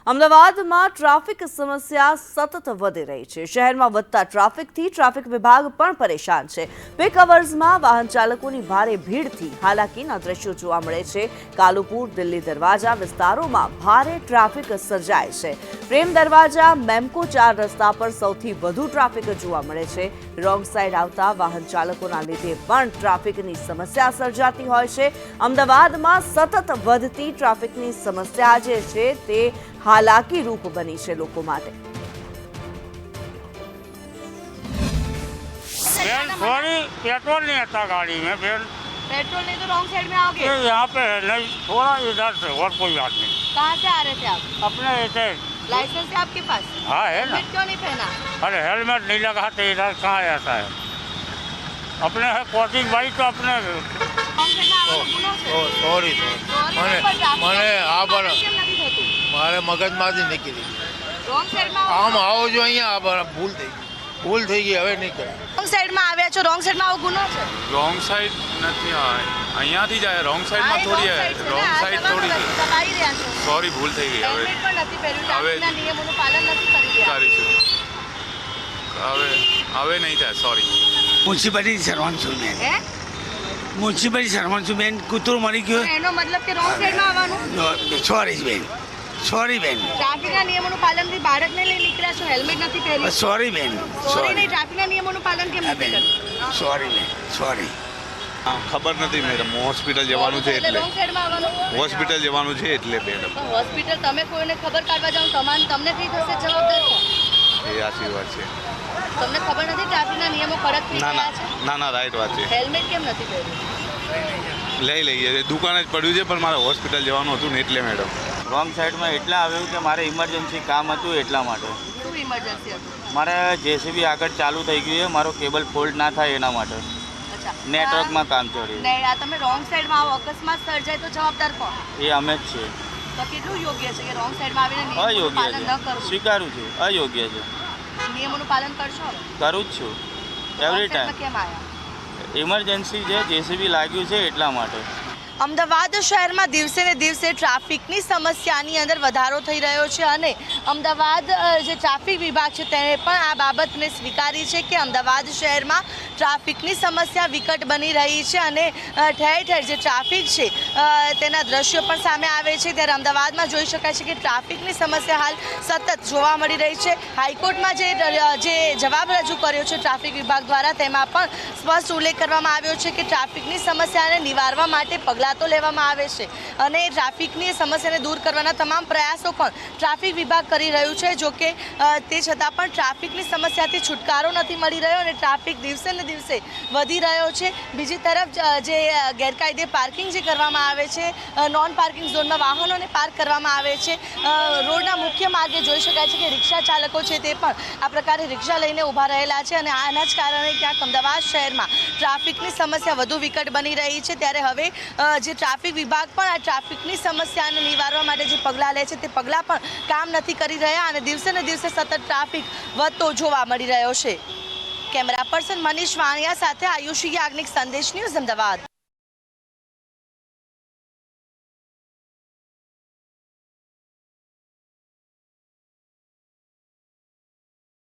અમદાવાદમાં ટ્રાફિક સમસ્યા સતત વધી રહી છે। શહેરમાં વધતા ટ્રાફિકથી ટ્રાફિક વિભાગ પણ પરેશાન છે। પીક અવર્સમાં વાહન ચાલકોની ભારે ભીડથી હાલાકીના દ્રશ્યો જોવા મળે છે। કાલુપુર, દિલ્હી દરવાજા વિસ્તારોમાં ભારે ટ્રાફિક સર્જાય છે। પ્રેમ દરવાજા, મેમકો 4 રસ્તા પર સૌથી વધુ ટ્રાફિક જોવા મળે છે। રોંગ સાઈડ આવતા વાહન ચાલકોના લીધે પણ ટ્રાફિકની સમસ્યા સર્જાતી હોય છે। અમદાવાદમાં સતત વધતી ટ્રાફિકની સમસ્યા જે છે તે हालाकी रूप बनी है लोगों माटे। सॉरी, पेट्रोल नहीं आता गाड़ी में। फिर पेट्रोल नहीं तो रॉन्ग साइड में आओगे। यहाँ पे नहीं, थोड़ा इधर से, और कोई बात नहीं। कहाँ से आ रहे थे आप? अपने इधर लाइसेंस है आपके पास? हाँ है ना। हेलमेट क्यों नहीं पहना? अरे हेलमेट नहीं लगा तो इधर कहाँ ऐसा है। अपने है कोचिंग बाइक तो अपने सॉरी મને આ પણ મારે મગજમાંથી નીકળી આમ આવો જો અહીંયા ભૂલ થઈ ગઈ હવે નહીં કરે। રોંગ સાઈડમાં આવ્યા છો, રોંગ સાઈડમાં આવો ગુનો છે। રોંગ સાઈડ નથી, અહીંયાથી જાય રોંગ સાઈડમાં થોડી રોંગ સાઈડ થોડી દબાઈ રહ્યા છો। સોરી, ભૂલ થઈ ગઈ। હવે હેલ્મેટ પણ નથી પહેર્યું, ટ્રાફિકના નિયમોનું પાલન નથી કરી રહ્યા। કરીશું, હવે નહીં થાય। સોરી। મ્યુનિસિપાલિટી સર્વન્ટ છું મેં। હે? મ્યુનિસિપાલિટી સર્વન્ટ છું બેન। કૂતરું મરી ગયું। એનો મતલબ કે રોંગ સાઈડમાં આવવાનું? સોરી બેન, સોરી બેન, ટ્રાફિકના નિયમોનું પાલનથી બાળકને લઈ નીકળ્યા છો, હેલ્મેટ નથી પહેર્યું। સોરી બેન, સોરી નહીં, ટ્રાફિકના નિયમોનું પાલન કેમ નથી કરતા? સોરી બેન, સોરી। ખબર નથી મેડમ, હોસ્પિટલ જવાનું છે એટલે રોંગ સાઈડમાં આવવાનું। હોસ્પિટલ જવાનું છે એટલે મેડમ। તો હોસ્પિટલ તમે કોઈને ખબર કાઢવા જાઓ તમને કઈ થશે જવાબદાર કોણ? એ આશી વાત છે। તમને ખબર નથી ટ્રાફિકના નિયમો કડક થઈ ના ગયા છે? ના રાઈટ વાત છે। હેલ્મેટ કેમ નથી પહેર્યું? લઈ લઈએ, દુકાને જ પડ્યું છે પણ મારે હોસ્પિટલ જવાનું હતું ને એટલે મેડમ। રોંગ સાઈડમાં એટલે આવ્યું કે મારે ઇમરજન્સી કામ હતું એટલા માટે। શું ઇમરજન્સી હતું? મારે જેસીબી આગળ ચાલુ થઈ ગયું છે, મારો કેબલ ફોલ્ડ ના થાય એના માટે અચ્છા, નેટવર્કમાં કામ ચડ્યું। નહીં, આ તમે રોંગ સાઈડમાં આવો, અકસ્માત સર્જાય તો જવાબદાર કોણ? એ અમે જ છીએ। તો કેટલું યોગ્ય છે કે રોંગ સાઈડમાં આવીને નિયમોનું અયોગ્ય પાલન ન છે, કરવું? સ્વીકારું છું, અયોગ્ય છે। નિયમોનું પાલન કરશો હવે? કરું જ છું એવરી Wrong side માં ટાઈમ। કેમ આવ્યા? ઇમરજન્સી છે, જેસીબી લાગ્યું છે એટલા માટે। અમદાવાદ શહેરમાં દિવસે ને દિવસે ટ્રાફિકની સમસ્યાની અંદર વધારો થઈ રહ્યો છે અને અમદાવાદ જે ટ્રાફિક વિભાગ છે તેણે પણ આ બાબતને સ્વીકારી છે કે અમદાવાદ શહેરમાં ટ્રાફિકની સમસ્યા વિકટ બની રહી છે અને ઠેર ઠેર જે ટ્રાફિક છે તેના દ્રશ્યો પણ સામે આવે છે। ત્યારે અમદાવાદમાં જોઈ શકાય છે કે ટ્રાફિકની સમસ્યા હાલ સતત જોવા મળી રહી છે। હાઈકોર્ટમાં જે જવાબ રજૂ કર્યો છે ટ્રાફિક વિભાગ દ્વારા તેમાં પણ સ્પષ્ટ ઉલ્લેખ કરવામાં આવ્યો છે કે ટ્રાફિકની સમસ્યાને નિવારવા માટે પગલાં તો લેવામાં આવે છે અને ટ્રાફિકની સમસ્યાને દૂર કરવાના તમામ પ્રયાસો પણ ટ્રાફિક વિભાગ કરી રહ્યું છે। જો કે તે છતાં પણ ટ્રાફિકની સમસ્યાથી છુટકારો નથી મળી રહ્યો અને ટ્રાફિક દિવસે ને દિવસે વધી રહ્યો છે। બીજી તરફ જે ગેરકાયદે પાર્કિંગ જે કરવામાં આવે છે, નોન પાર્કિંગ ઝોનમાં વાહનોને પાર્ક કરવામાં આવે છે, રોડના મુખ્ય માર્ગે જોઈ શકાય છે કે રિક્ષા ચાલકો છે તે પણ આ પ્રકારે રિક્ષા લઈને ઊભા રહેલા છે અને આના જ કારણે ક્યાંક અમદાવાદ શહેરમાં ટ્રાફિકની સમસ્યા વધુ વિકટ બની રહી છે। ત્યારે હવે જે ટ્રાફિક વિભાગ પણ આ ટ્રાફિકની સમસ્યાને નિવારવા માટે જે પગલાં લે છે તે પગલાં પણ કામ નથી કરી રહ્યા અને દિવસે ને દિવસે સતત ટ્રાફિક વધતો જોવા મળી રહ્યો છે। કેમેરા પર્સન મનીષ વાણિયા સાથે આયુષી યાજ્ઞિક, સંદેશ ન્યૂઝ, અમદાવાદ।